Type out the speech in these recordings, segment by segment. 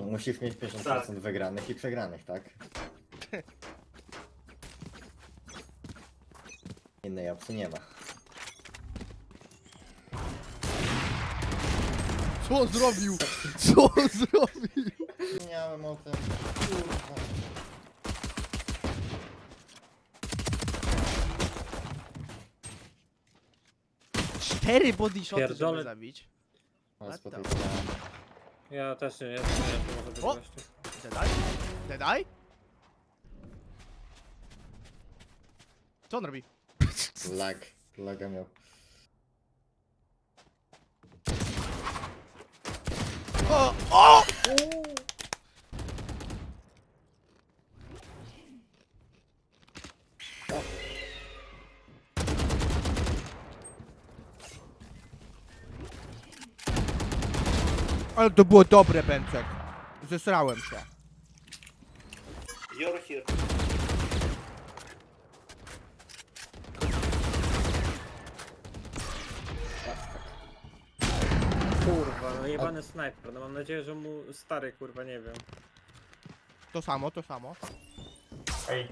musisz mieć 50% wygranych i przegranych, tak? Innej opcji nie ma. Co on zrobił? Co on zrobił? Wspomniałem o tym. Kurwa. Cztery body shoty, żeby Pierdolę. zabić. No, What po the- tej stronie. Ja też nie może być O! gościu. Deadeye? Deadeye? Co on robi? Laga miał. O! O! Ale to było dobre, Pęczek. Zesrałem się. You're here. Kurwa, no jebany snajper, no mam nadzieję, że mu stary kurwa, nie wiem. To samo, to samo. Ej.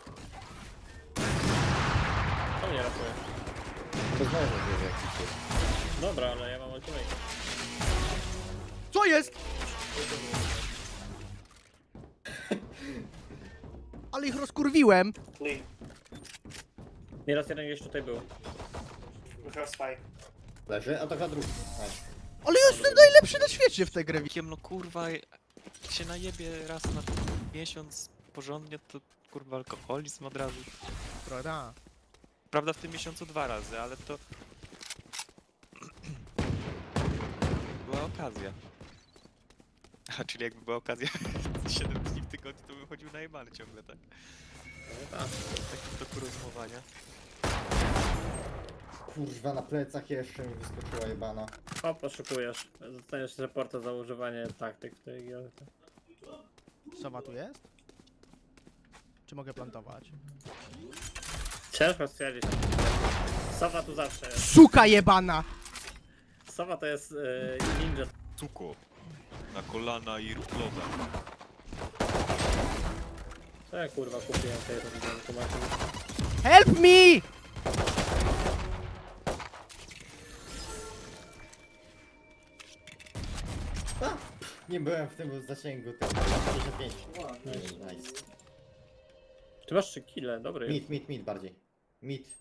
To mnie ratuje. To znowu wie jakiś jest. Dobra, ale ja mam ultimate. Co jest? Ale ich rozkurwiłem. Clean. Nieraz jeden gdzieś tutaj był. We have spike. Leży, a to za drugi. Nice. Ale ja jestem najlepszy na świecie w tej grze. No kurwa, jak się najebie raz na miesiąc porządnie, to kurwa alkoholizm od razu. Prawda? Prawda w tym miesiącu 2 razy, ale to... była okazja. A, czyli jakby była okazja 7 dni w tygodniu, to bym chodził najebany ciągle, tak? Takim toku rozumowania. Kurwa, na plecach jeszcze mi wyskoczyła jebana. O, poszukujesz. Dostaniesz reporta za używanie taktyk w tej gierce. Sowa tu jest? Czy mogę plantować? Ciężko stwierdzić. Sowa tu zawsze jest. Suka jebana! Sowa to jest ninja. Suko. Na kolana i rób loda. Co ja kurwa kupiłem tej rundy? Help me! Nie byłem w tym zasięgu tego. 55. Nice. Ty masz 3 kile, dobry jest. Mid bardziej. Mid.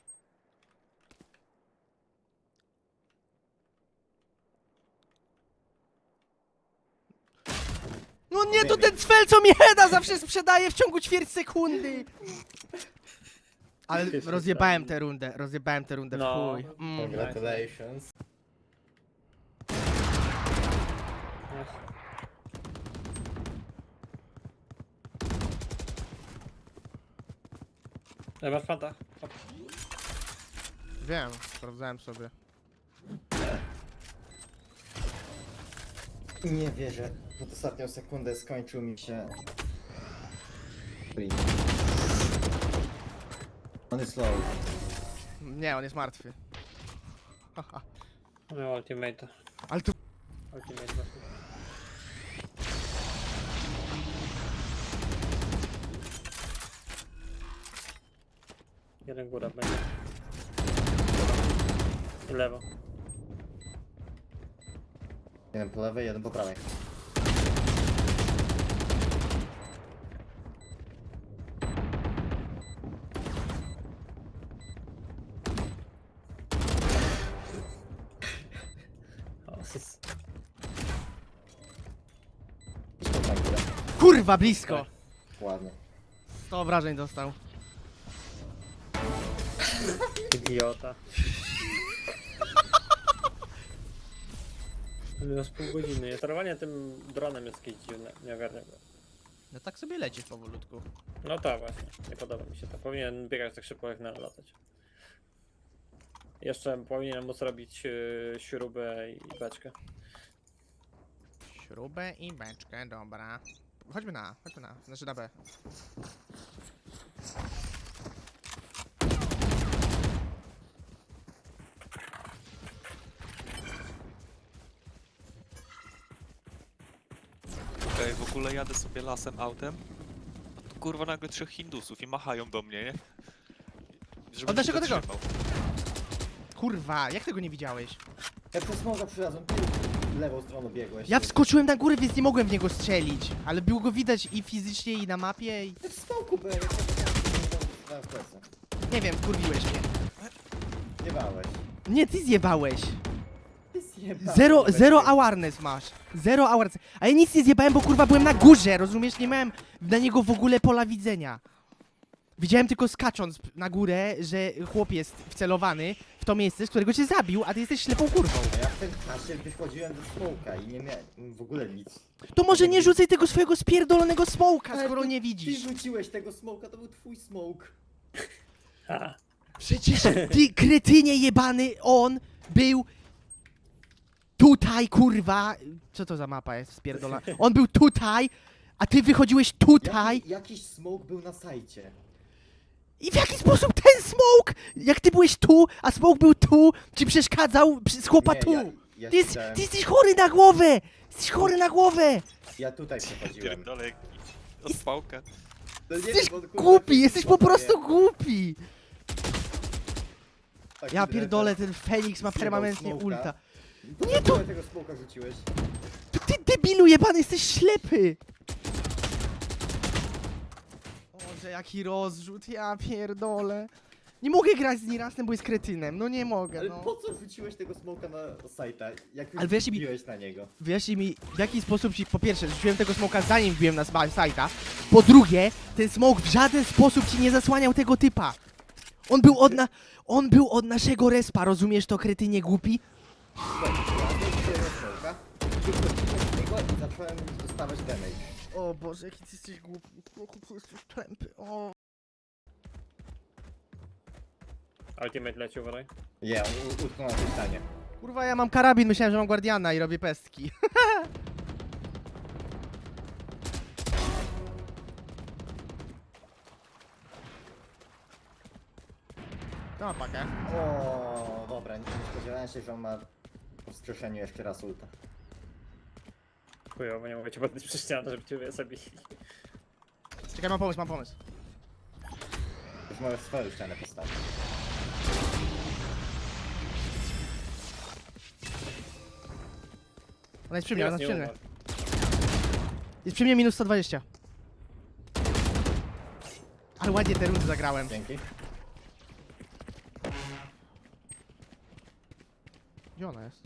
No nie, to ten cfel, co mi heada zawsze sprzedaje w ciągu ćwierć sekundy! Ale rozjebałem tę rundę w No. chuj. Congratulations. Ja masz fanta. Hop. Wiem, sprawdzałem sobie. Nie wierzę. Pod ostatnią sekundę skończył mi się... On jest low. Nie, on jest martwy. Haha. No, ultimate. Ale to... Ultimate właśnie. Jeden góra będzie. I lewo. Jeden po lewej, jeden po prawej. O, Kurwa, blisko! Ładnie. 100 obrażeń dostał. idiota. Minus pół godziny. Sterowanie tym dronem jest jakieś dziwne, nie ogarniam go. No tak sobie leci powolutku. No tak właśnie, nie podoba mi się to. Powinien biegać tak szybko jak latać. Jeszcze powinienem móc robić śrubę i beczkę. Śrubę i beczkę, dobra. Chodźmy na, znaczy na B. Okej, w ogóle jadę sobie lasem autem, a tu kurwa nagle 3 Hindusów i machają do mnie, nie? Żebym Od naszego się tego. zatrzymał. Kurwa, jak tego nie widziałeś? Jak przez smoga przyrazem, ty w lewą stronę biegłeś. Ja wskoczyłem na górę, więc nie mogłem w niego strzelić. Ale było go widać i fizycznie, i na mapie, i... Ty w smoku byłem, jak w plecy. Nie wiem, wkurwiłeś mnie. Nie bałeś. Nie, ty zjebałeś. Ty zjebałeś. Zero awareness masz. Zero awareness. A ja nic nie zjebałem, bo kurwa byłem na górze, rozumiesz? Nie miałem na niego w ogóle pola widzenia. Widziałem tylko skacząc na górę, że chłop jest wcelowany w to miejsce, z którego cię zabił, a ty jesteś ślepą kurwą. A ja w tym czasie wychodziłem ze smoka i nie miałem w ogóle nic. To może nie rzucaj tego swojego spierdolonego smoka, Ale skoro to nie widzisz. Ty rzuciłeś tego smoka, to był twój smoke. A, Przecież ty, kretynie jebany, on był tutaj, kurwa. Co to za mapa jest spierdolona? On był tutaj, a ty wychodziłeś tutaj. Jakiś smoke był na sajcie. I w jaki sposób ten smoke, jak ty byłeś tu, a smoke był tu, ci przeszkadzał z chłopa Nie, tu? ja Ty, siedziałem- ty jesteś chory na głowę! Jesteś chory na głowę! Ja tutaj przechodziłem. Pierdolę jaki. Od spałka. No nie Jesteś wiem, bo, kurwa, głupi, ty jesteś po smoka prostu je- głupi! taki Ja drepel. pierdolę, ten Feniks ma Zjebał permanentnie smoka. ulta. Nie, to tego smoka rzuciłeś. Ty debilu jebany, jesteś ślepy! Boże, jaki rozrzut, ja pierdolę. Nie mogę grać z Nirasem, bo jest kretynem, no nie mogę, Ale no. po co rzuciłeś tego smoka na sajta? Jak Ale już wiesz, mi- wbiłeś na niego. Wyjaśnij mi, w jaki sposób ci, po pierwsze, rzuciłem tego smoka zanim wbiłem na sajta, po drugie, ten smok w żaden sposób ci nie zasłaniał tego typa. On był od naszego respa, rozumiesz to, kretynie głupi? Słuchaj, ja wziąłem smoka, wychodziłem z niego i zacząłem już dostawać damage. O Boże, jaki ty jesteś głupi, jaki ty jesteś tępy, o. ultimate leci, uważaj. Nie, on utknął na tej ścianie. Kurwa, ja mam karabin, myślałem, że mam guardiana i robię pestki. To ma pakę. O, dobra, nie spodziewałem się, że on ma po wskrzeszeniu jeszcze raz ulta. Chujowo, nie mogę cię podnieść przez ścianę, żeby cię zabili. Czekaj, mam pomysł, mam pomysł. Już możesz swoją ścianę postawić. Ona jest przy mnie, ona jest nie przy mnie. umarł. Jest przy mnie minus 120. Ale ładnie te rundy zagrałem. Dzięki. Gdzie ona jest?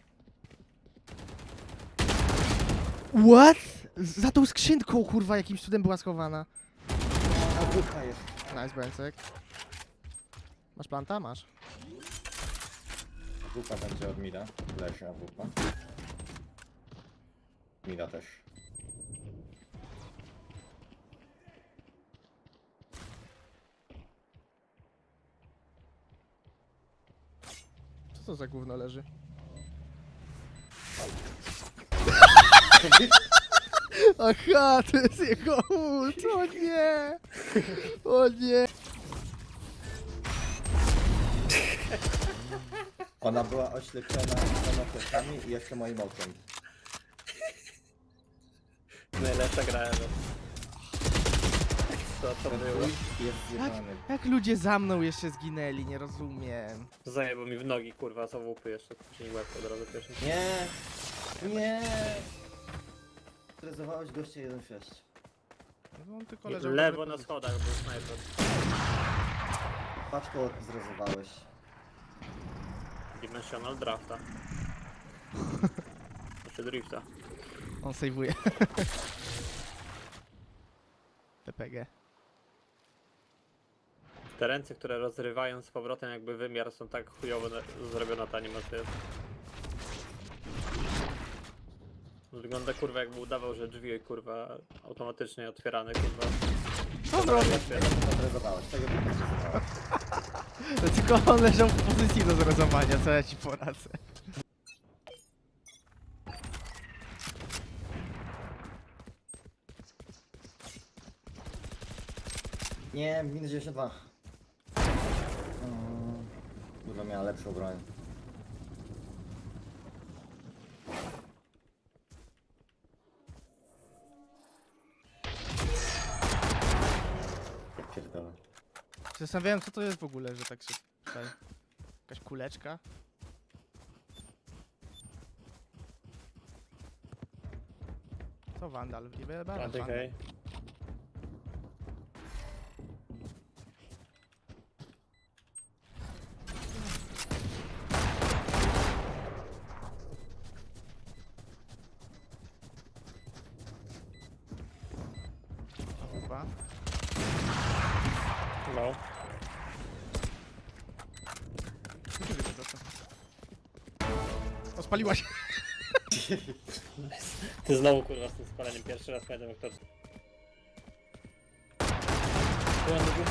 What? Za tą skrzynką, kurwa, jakimś cudem była schowana. A wucha jest. Nice, Bencek. Masz planta? Masz. Wupa będzie od mida. Leży a wupa. Mida też. Co to za gówno leży? Aha, to jest jego ult, o nie! O nie! Ona była oślepiona samoplecami i jeszcze moim okiem. Najlepsza gra ever. Co to Ten było? ult jest zjebany. Jak ludzie za mną jeszcze zginęli, nie rozumiem. Zajebał mi w nogi, kurwa, z AWP jeszcze, później łeb od razu pierwszy. Nie! Nie! Stresowałeś gościa 1.6. No, on tylko Lewo na schodach był snajper. Paczko zrezowałeś. Dimensional drafta. Znaczy drifta. On sejwuje. PPG. Te ręce, które rozrywają z powrotem jakby wymiar, są tak chujowo zrobiona ta animacja. Wygląda kurwa jakby udawał, że drzwi kurwa automatycznie otwierane kurwa. Dobra, To zrezowałeś, tego nie zrezowałeś. to tylko on leżał w pozycji do zrezowania, co ja ci poradzę. Nie, minus 92. Kurwa miała lepszą broń. Zastanawiałem, co to jest w ogóle, że tak się tutaj... Jakaś kuleczka? Co Vandal? Nie Planty hej. Chyba. No. O, spaliła się. Ty znowu kurwa z tym spaleniem. Pierwszy raz pamiętam jak to... Byłem drugi.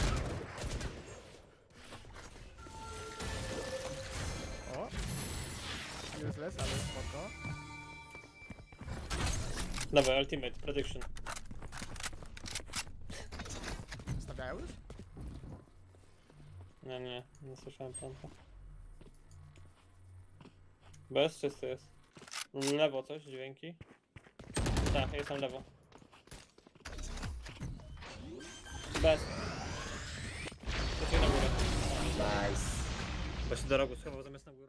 O. Useless, ale spoko. Dobra, ultimate, prediction. Stawiają już? Nie słyszałem planta. Bez, czysty jest. Lewo coś, dźwięki. Tak, jest tam lewo. Bez. To się na górę. Nice. Bo się do rogu schował zamiast na górę.